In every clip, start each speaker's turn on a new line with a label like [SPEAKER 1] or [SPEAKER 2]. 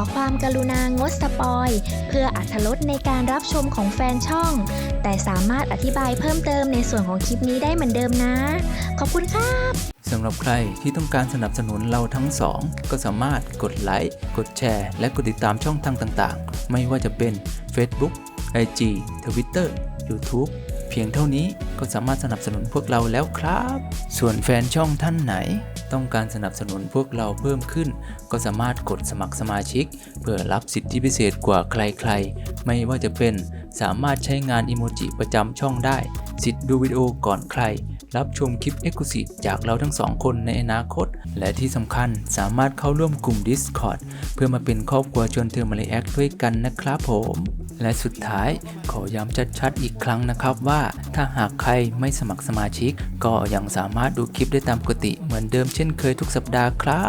[SPEAKER 1] ความกรุณางดสปอยเพื่ออรรถรสในการรับชมของแฟนช่องแต่สามารถอธิบายเพิ่มเติมในส่วนของคลิปนี้ได้เหมือนเดิมนะขอบคุณครับ
[SPEAKER 2] สำหรับใครที่ต้องการสนับสนุนเราทั้งสองก็สามารถกดไลค์กดแชร์และกดติดตามช่องทางต่างๆไม่ว่าจะเป็น Facebook IG Twitter YouTube เพียงเท่านี้ก็สามารถสนับสนุนพวกเราแล้วครับส่วนแฟนช่องท่านไหนต้องการสนับสนุนพวกเราเพิ่มขึ้นก็สามารถกดสมัครสมาชิกเพื่อรับสิทธิพิเศษกว่าใครๆไม่ว่าจะเป็นสามารถใช้งานอิโมจิประจำช่องได้สิทธิ์ดูวิดีโอก่อนใครรับชมคลิป Exclusive จากเราทั้งสองคนในอนาคตและที่สำคัญสามารถเข้าร่วมกลุ่ม Discord เพื่อมาเป็นครอบครัวชวนเธอมาเลแอคด้วยกันนะครับผมและสุดท้ายขอย้ำชัดๆอีกครั้งนะครับว่าถ้าหากใครไม่สมัครสมาชิกก็ยังสามารถดูคลิปได้ตามปกติเหมือนเดิมเช่นเคยทุกสัปดาห์ครับ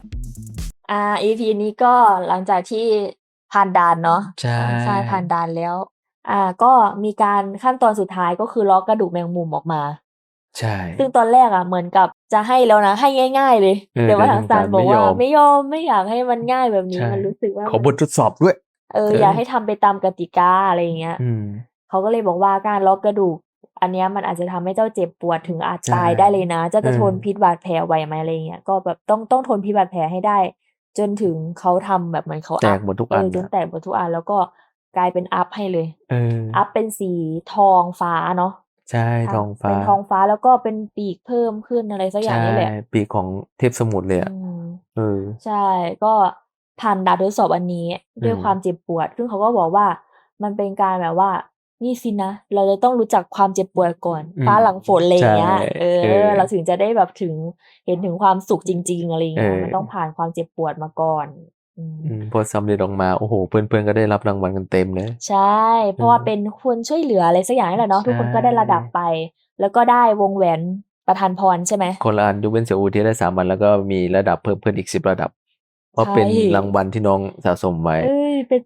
[SPEAKER 3] EP นี้ก็หลังจากที่ผ่านด่านเนาะ
[SPEAKER 2] ใช่
[SPEAKER 3] ผ่านด่านแล้วก็มีการขั้นตอนสุดท้ายก็คือล้อกระดูกแมงมุมออกมา
[SPEAKER 2] ใช่
[SPEAKER 3] ซึ่งตอนแรกเหมือนกับจะให้แล้วนะให้ง่ายๆเลยแต่ว่าทางศาลบอกว่าไม่ยอมไม่อยากให้มันง่ายแบบนี้มันรู้สึกว่า
[SPEAKER 2] ขอบททดสอบด้วย
[SPEAKER 3] อยากให้ทำไปตามกติกาอะไรอย่างเงี้ยเขาก็เลยบอกว่าการล้อกระดูกอันเนี้ยมันอาจจะทำให้เจ้าเจ็บปวดถึงอาจตายได้เลยนะเจ้าจะทนพิษบาดแผลไหวไหมอะไรเงี้ยก็แบบต้องทนพิษบาดแผลให้ได้จนถึงเขาทำแบบเหมือนเขา
[SPEAKER 2] แตกหมดทุกอัน
[SPEAKER 3] จนแตกหมดทุกอันแล้วก็กลายเป็นอัพให้เลยอัพเป็นสีทองฟ้าเนาะ
[SPEAKER 2] ใช่ทองฟ้า
[SPEAKER 3] เป็นทองฟ้าแล้วก็เป็นปีกเพิ่มขึ้นอะไรสักอย่างนี่แหละ
[SPEAKER 2] ปีกของเทพสมุทรเลย
[SPEAKER 3] ใช่ก็ผ่านด่านทดสอบอันนี้ด้วยความเจ็บปวดซึ่งเขาก็บอกว่ามันเป็นการแบบว่านี่สินะเราจะต้องรู้จักความเจ็บปวดก่อนฟ้าหลังฝนอะไรอย่างเงี้ยเราถึงจะได้แบบถึงเห็นถึงความสุขจริงๆอะไรอย่างเงี้ยมันต้องผ่านความเจ็บปวดมาก่อน
[SPEAKER 2] พอสำเร็จออกมาโอ้โหเพื่อนๆก็ได้รับรางวัลกันเต็มเลย
[SPEAKER 3] ใช่เพราะว่าเป็นคนช่วยเหลืออะไรสักอย่างนี่แหละเนาะทุกคนก็ได้ระดับไปแล้วก็ได้วงแหวนประทานพรใช่ไหม
[SPEAKER 2] คนละอันยกเว้นเสี่ยวอูที่ได้3 วันแล้วก็มีระดับเพิ่มขึ้นอีก10 ระดับเพราะเป็นรางวัลที่น้องสะสมไว้
[SPEAKER 3] เป็น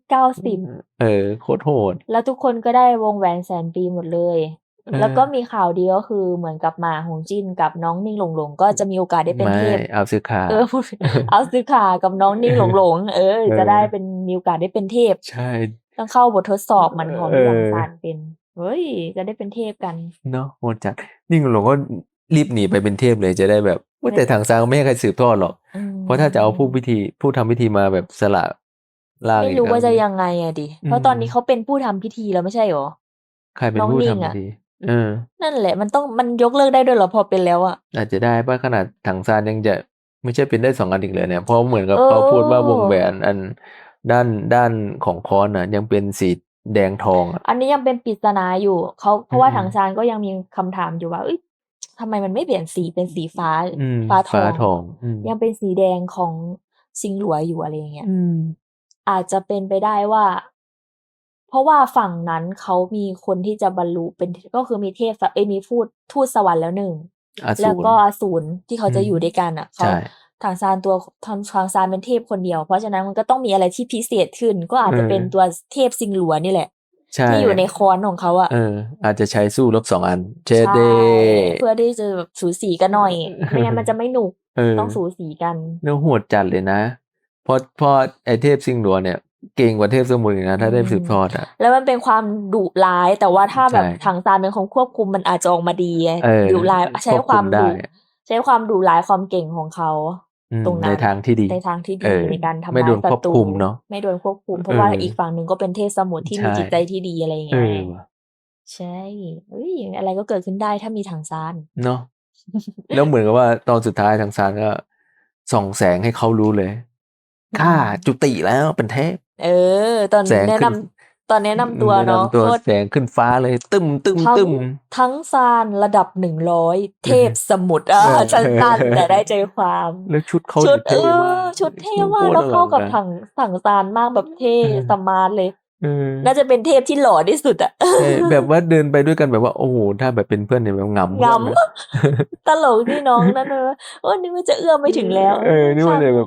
[SPEAKER 3] 90
[SPEAKER 2] โคตรโหด
[SPEAKER 3] แล้วทุกคนก็ได้วงแหวนแสนปีหมดเลยแล้วก็มีข่าวดีก็คือเหมือนกับหมาหงจิ้นกับน้องนิ่งหลงหลงก็จะมีโอกาสได้เป็นเทพ
[SPEAKER 2] เอาซื้อขา
[SPEAKER 3] เอาซื้อขากับน้องนิ่งหลงหลงจะได้เป็นมีโอกาสได้เป็นเทพ
[SPEAKER 2] ใช่
[SPEAKER 3] ต้องเข้าบททดสอบมันของที่ลังซานเป็นเฮ้ยจะได้เป็นเทพกัน
[SPEAKER 2] เนาะโหดจัดนิ่งหลงก็รีบหนีไปเป็นเทพเลยจะได้แบบว่าแต่ทางซางไม่ให้ใครสืบทอดหรอกเพราะถ้าจะเอาผู้ทำพิธีมาแบบสละล่าง
[SPEAKER 3] ไม่รู้ว่าจะยังไงดิเพราะตอนนี้เขาเป็นผู้ทำพิธีแล้วไม่ใช่หรอ
[SPEAKER 2] ใครเป็นผู้ทำพิธี
[SPEAKER 3] นั่นแหละมันยกเลิกได้ด้วยเหรอพอเป็นแล้ว
[SPEAKER 2] อาจจะได้ป่ะขนาดถังซานยังจะไม่ใช่เป็นได้2 อันอีกเลยเนี่ยเพราะเหมือนกับเขาพูดว่าวงแหวนอันด้านของค้อนยังเป็นสีแดงทอง
[SPEAKER 3] อันนี้ยังเป็นปริศนาอยู่เพราะว่าถังซานก็ยังมีคำถามอยู่ว่าทำไมมันไม่เปลี่ยนสีเป็นสีฟ้า
[SPEAKER 2] ทอง
[SPEAKER 3] ยังเป็นสีแดงของซิงหลัวอยู่อะไรอย่างเงี้ยอาจจะเป็นไปได้ว่าเพราะว่าฝั่งนั้นเขามีคนที่จะบรรลุเป็นก็คือมีเทพมีทูตสวรรค์แล้ว1แล้วก็อสูรที่เขาจะอยู่ด้วยกันเขาทางซานทางซานเป็นเทพคนเดียวเพราะฉะนั้นมันก็ต้องมีอะไรที่พิเศษขึ้นก็อาจจะเป็นตัวเทพซิงหลัวนี่แหละที่อยู่ในค้อนของเขา
[SPEAKER 2] อาจจะใช้สู้รบ2 อันเ
[SPEAKER 3] ดเพื่อที่จะแบบสูสีกันหน่อยไม่งั้นมันจะไม่หนุกต้องสูสีกัน
[SPEAKER 2] เนื้อโหดจัดเลยนะเพราะไอเทพซิงหลัวเนี่ยเก่งกว่าเทพสมุทรนะถ้าได้สืบทอด
[SPEAKER 3] แล้วมันเป็นความดุร้ายแต่ว่าถ้าแบบถังซานเป็นคนควบคุมมันอาจจะออกมาดีดุร้ายใช้ความดุร้ายความเก่งของเขาตรงนั้น
[SPEAKER 2] ในทางที่ดี
[SPEAKER 3] ในการทำลายศัตรู
[SPEAKER 2] ไม่โดนควบคุมเนาะ
[SPEAKER 3] ไม่โดนควบคุมเพราะว่าอีกฝั่งหนึ่งก็เป็นเทพสมุทรที่มีจิตใจที่ดีอะไรอย่างเงี้ยใช่อะไรก็เกิดขึ้นได้ถ้ามีถังซาน
[SPEAKER 2] เนาะแล้วเหมือนกับว่าตอนสุดท้ายถังซานก็ส่องแสงให้เขารู้เลยข้าจุติแล้วเป็นเทพ
[SPEAKER 3] ตอนแนะนำตัวเนาะ
[SPEAKER 2] แสงขึ้นฟ้าเลยตึม
[SPEAKER 3] ทั้งซานระดับ100เทพสมุทรสั้นๆแต่ได้ใจความ
[SPEAKER 2] แล้วชุดเขา
[SPEAKER 3] เท่มากชุดเท่มากแล้วเข้ากับถังซานมากแบบเท่สมาร์ทเลยน่าจะเป็นเทพที่หล่อที่สุด
[SPEAKER 2] แบบว่าเดินไปด้วยกันแบบว่าโอ้โหถ้าแบบเป็นเพื่อนเนี่ยแบบง
[SPEAKER 3] ำตลกที่น้องนั่นนี่มันจะเอื้อมไม่ถึงแล้ว
[SPEAKER 2] นี่มันเลยแบบ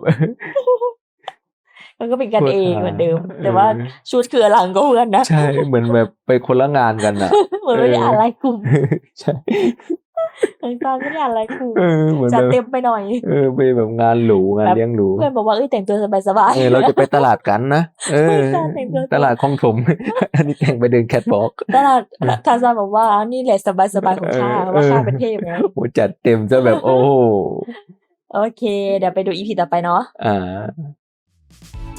[SPEAKER 3] มันก็เป็นกันเองเหมือนเดิมแต่ว่าชุดคืออลังก็เพื่อนนะ
[SPEAKER 2] ใช่เหมือนแบบไปคนละงานกัน
[SPEAKER 3] เหมือนไม่ได้อะไรกลุ่ม
[SPEAKER 2] ใช่
[SPEAKER 3] น้องตาลไม่ได้อะไรครู
[SPEAKER 4] เหมือน
[SPEAKER 3] จั
[SPEAKER 4] แบ
[SPEAKER 3] ด
[SPEAKER 4] บ
[SPEAKER 3] เต็มไปหน่อย
[SPEAKER 4] ไปแบบงานหรูงาน
[SPEAKER 3] แบบ
[SPEAKER 4] เลี้ยงหรู
[SPEAKER 3] เพื่อนบอกว่าแต่งตัวสบายๆ
[SPEAKER 4] เราจะไปตลาดกันนะ
[SPEAKER 3] ใช่ค่ะแต่งตัว
[SPEAKER 4] ตลาดคลองถม อันนี้แต่งไปเดินแคทวอล์ก
[SPEAKER 3] ตลาดทาซานบอกว่านี่แหละสบายๆของข้าเพราะว่าข้าเป็นเทพไง
[SPEAKER 4] โหจัดเต็มซะแบบโอ้โห
[SPEAKER 3] โอเค เดี๋ยวไปดูอีพีต่อไปเนาะ
[SPEAKER 4] อ่า